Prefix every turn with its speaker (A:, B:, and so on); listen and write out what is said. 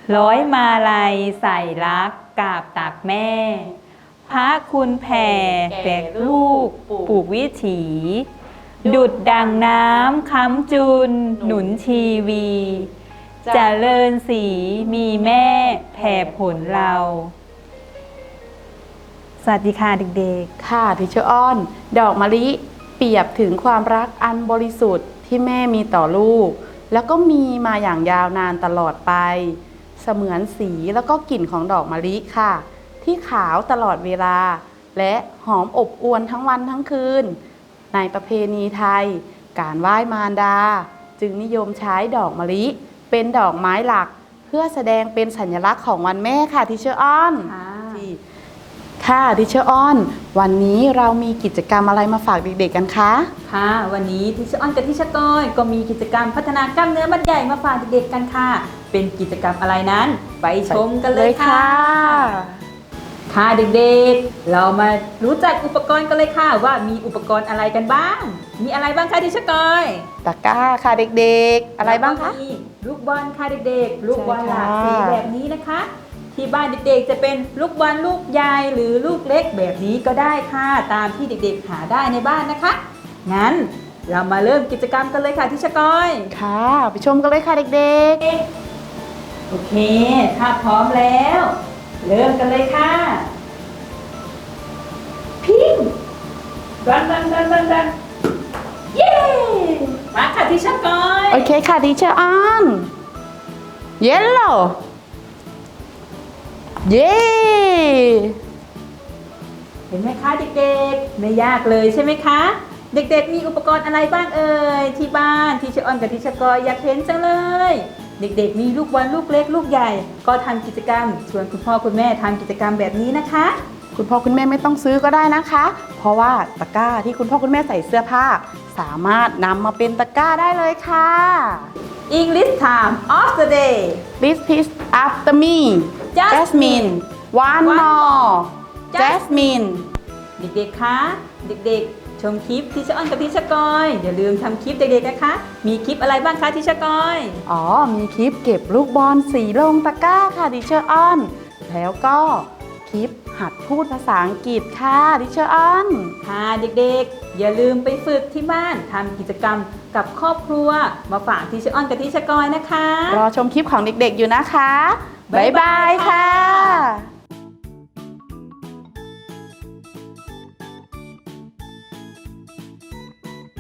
A: ร้อยมาลัยใส่รักกราบตักแม่ พระคุณแผ่แก่ลูกปลูกวิถี ดุจดังน้ำค้ำจุนหนุนชีวีเจริญสีมีแม่แผ่ผลเรา สวัสดีค่ะเด็กๆ
B: ค่ะทิเชอร์อ้อนดอกมะลิเปรียบถึงความรักอันบริสุทธิ์ที่แม่มีต่อลูกแล้วก็มีมาอย่างยาวนานตลอดไปเสมือนสีแล้วก็กลิ่นของดอกมะลิค่ะที่ขาวตลอดเวลาและหอมอบอวลทั้งวันทั้งคืนในประเพณีไทยการไหว้มารดาจึงนิยมใช้ดอกมะลิเป็นดอกไม้หลักเพื่อแสดงเป็นสัญลักษณ์ของวันแม่ค่ะทิเชอร์อ้อนค่ะทิเชอร์อ้อนวันนี้เรามีกิจกรรมอะไรมาฝากเด็กๆกันคะ
A: ค่ะวันนี้ทิเชอร์อ้อนกับทิเชอร์ก้อยก็มีกิจกรรมพัฒนากล้ามเนื้อมัดใหญ่มาฝากเด็กๆกันค่ะเป็นกิจกรรมอะไรนั้นไปชมกันเลยค่ะค่ะเด็กๆเรามารู้จักอุปกรณ์กันเลยค่ะว่ามีอุปกรณ์อะไรกันบ้างมีอะไรบ้างคะทิเชอร์ก้อย
B: ตะกร้าค่ะเด็กๆอะไรบ้างคะ
A: มีลูกบอลค่ะเด็กๆลูกบอลหลากสีแบบนี้นะคะที่บ้านเด็กๆจะเป็นลูกบอลลูกใหญ่หรือลูกเล็กแบบนี้ก็ได้ค่ะตามที่เด็กๆหาได้ในบ้านนะคะงั้นเรามาเริ่มกิจกรรมกันเลยค่ะทิเชอร์ก้อย
B: ค่ะไปชมกันเลยค่ะเด็ก
A: ๆโอเคถ้าพร้อมแล้วเริ่มกันเลยค่ะพิงดันเย้มาค่ะทิเชอร์ก้อย
B: โอเคค่ะทิเชอร์อ้อนเยลโล่เย้
A: เห็นไหมคะเด็กๆไม่ยากเลยใช่ไหมคะเด็กๆมีอุปกรณ์อะไรบ้างเอ่ยที่บ้านทิเชอร์ออนกับทิเชอร์กอยอยากเห็นจังเลยเด็กๆมีลูกบอลลูกเล็กลูกใหญ่ก็ทำกิจกรรมชวนคุณพ่อคุณแม่ทำกิจกรรมแบบนี้นะคะ
B: คุณพ่อคุณแม่ไม่ต้องซื้อก็ได้นะคะเพราะว่าตะกร้าที่คุณพ่อคุณแม่ใส่เสื้อผ้าสามารถนำมาเป็นตะกร้าได้เลยค่ะ
A: English time of the day
B: Repeat after me Jasmine one more Jasmine
A: เด็กๆคะเด็กๆชมคลิปทิเชอร์ออนกับทิเชอร์กอยอย่าลืมทำคลิปเด็กๆนะคะมีคลิปอะไรบ้างคะทิเชอร์กอย
B: มีคลิปเก็บลูกบอลสีลงตะกร้าค่ะทิเชอร์ออนแล้วก็คลิปหัดพูดภาษาอังกฤษค่ะทิเชอร์ออน
A: ค่ะเด็กๆอย่าลืมไปฝึกที่บ้านทำกิจกรรมกับครอบครัวมาฝากทิเชอร์ออนกับทิเชอร์กอยนะคะ
B: รอชมคลิปของเด็กๆอยู่นะคะบ๊ายบายค่ะ